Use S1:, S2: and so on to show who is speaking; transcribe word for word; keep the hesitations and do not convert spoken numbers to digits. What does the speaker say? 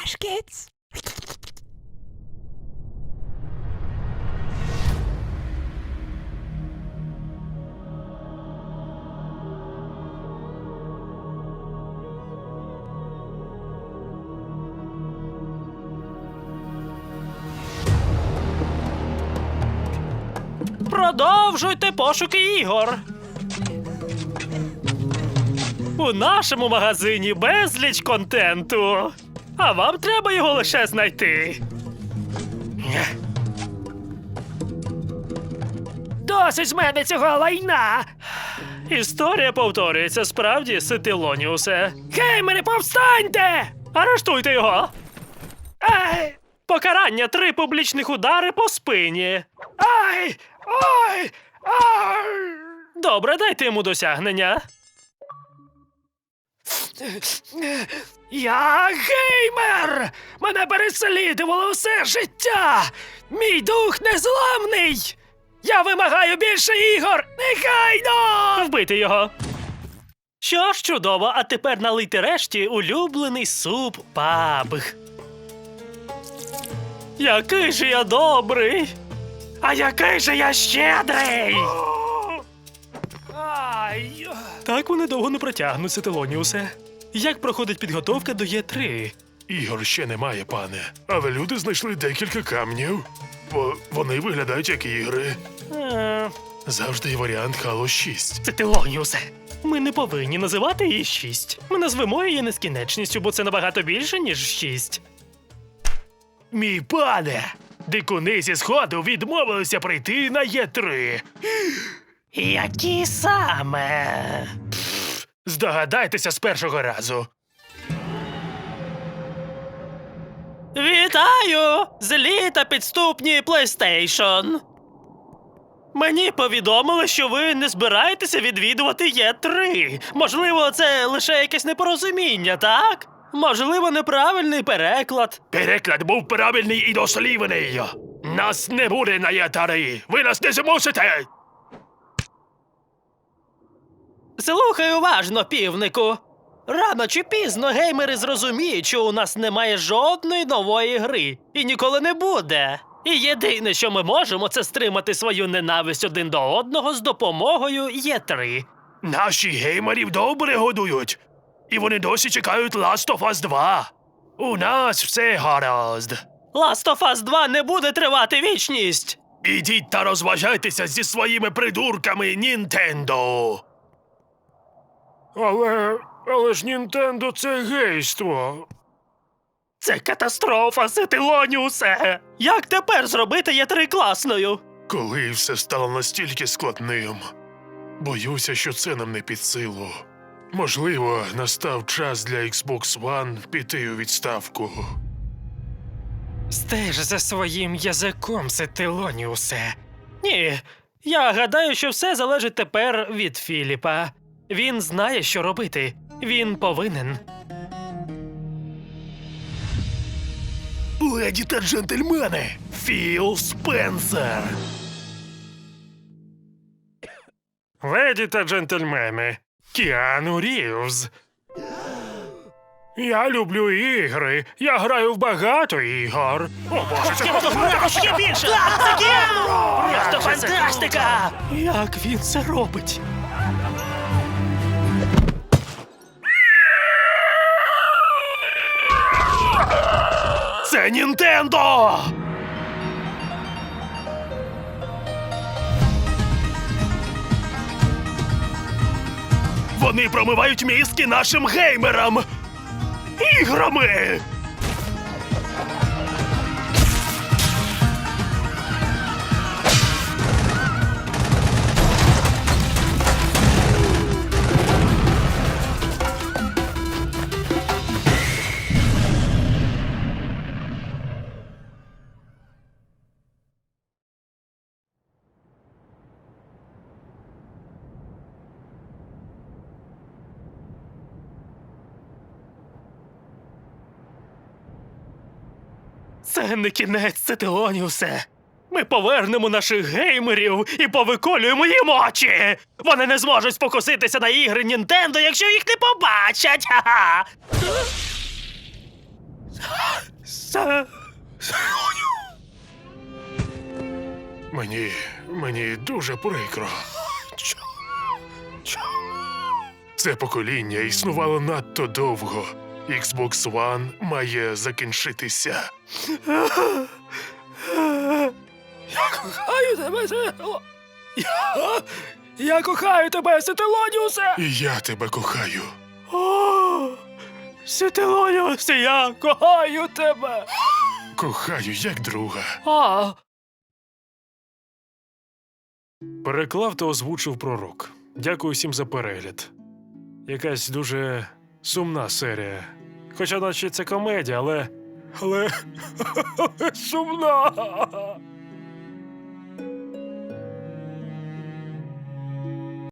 S1: Trash Kids.
S2: Продовжуйте пошуки ігор. У нашому магазині безліч контенту. А вам треба його лише знайти. Досить з мене цього лайна! Історія повторюється справді, Ситилоніусе. Геймери, повстаньте! Арештуйте його! Ай! Покарання — три публічних удари по спині. Ай! Ай! Ай! Добре, дайте йому досягнення. Я геймер! Мене переслідувало все життя! Мій дух незламний! Я вимагаю більше ігор! Негайно! Вбити його! Що ж, чудово, а тепер налийте решті улюблений суп пабг. Який же я добрий! А який же я щедрий! Ай. Так вони довго не протягнуться, Телоніусе. Як проходить підготовка до Є три?
S3: Ігор ще немає, пане. Але люди знайшли декілька камнів. Бо вони виглядають як ігри.
S2: Е,
S3: Завжди є варіант Halo шість.
S2: Це Телоніусе. Ми не повинні називати її шість. Ми назвемо її нескінченністю, бо це набагато більше, ніж шість. Мій пане! Дикуни зі Сходу відмовилися прийти на Є три. Які саме? Пф, здогадайтеся з першого разу. Вітаю! Злі та підступні PlayStation! Мені повідомили, що ви не збираєтеся відвідувати Є три. Можливо, це лише якесь непорозуміння, так? Можливо, неправильний переклад. Переклад був правильний і дослівний. Нас не буде на Є три. Ви нас не змусите. Слухай уважно, півнику. Рано чи пізно геймери зрозуміють, що у нас немає жодної нової гри. І ніколи не буде. І єдине, що ми можемо, це стримати свою ненависть один до одного з допомогою Є три. Наші геймерів добре годують. І вони досі чекають Last of Us два. У нас все гаразд. Last of Us два не буде тривати вічність. Ідіть та розважайтеся зі своїми придурками, Нінтендо.
S3: Але. Але ж Нінтендо це гейство.
S2: Це катастрофа, Ситилоніусе! Як тепер зробити Є три класною?
S3: Коли все стало настільки складним. Боюся, що це нам не під силу. Можливо, настав час для Xbox One піти у відставку.
S2: Стеж за своїм язиком, Ситилоніусе. Ні, я гадаю, що все залежить тепер від Філіпа. Він знає, що робити. Він повинен.
S3: Леді та джентльмени, Філ Спенсер.
S2: Леді та джентльмени, Кіану Рівз.
S3: Я люблю ігри. Я граю в багато ігор. О, Боже, це
S2: Ще більше! Це Кіану! Просто фантастика! Як він це робить? Це Нінтендо! Вони промивають мізки нашим геймерам! Іграми! Це не кінець, Ситилоніусе. Ми повернемо наших геймерів і повиколюємо їм очі! Вони не зможуть спокуситися на ігри Нінтендо, якщо їх не побачать! Ха-ха! Се...
S3: Мені. мені дуже прикро. Це покоління існувало надто довго. Xbox One має закінчитися.
S2: Я кохаю тебе, Ситело. Я... Я кохаю тебе, Сителоніусе.
S3: І я тебе кохаю.
S2: О, Сителоніусе, я кохаю тебе.
S3: Кохаю як друга.
S2: А,
S1: Переклав та озвучив пророк. Дякую всім за перегляд. Якась дуже сумна серія. Хоча наче це комедія, але. Але. сумна.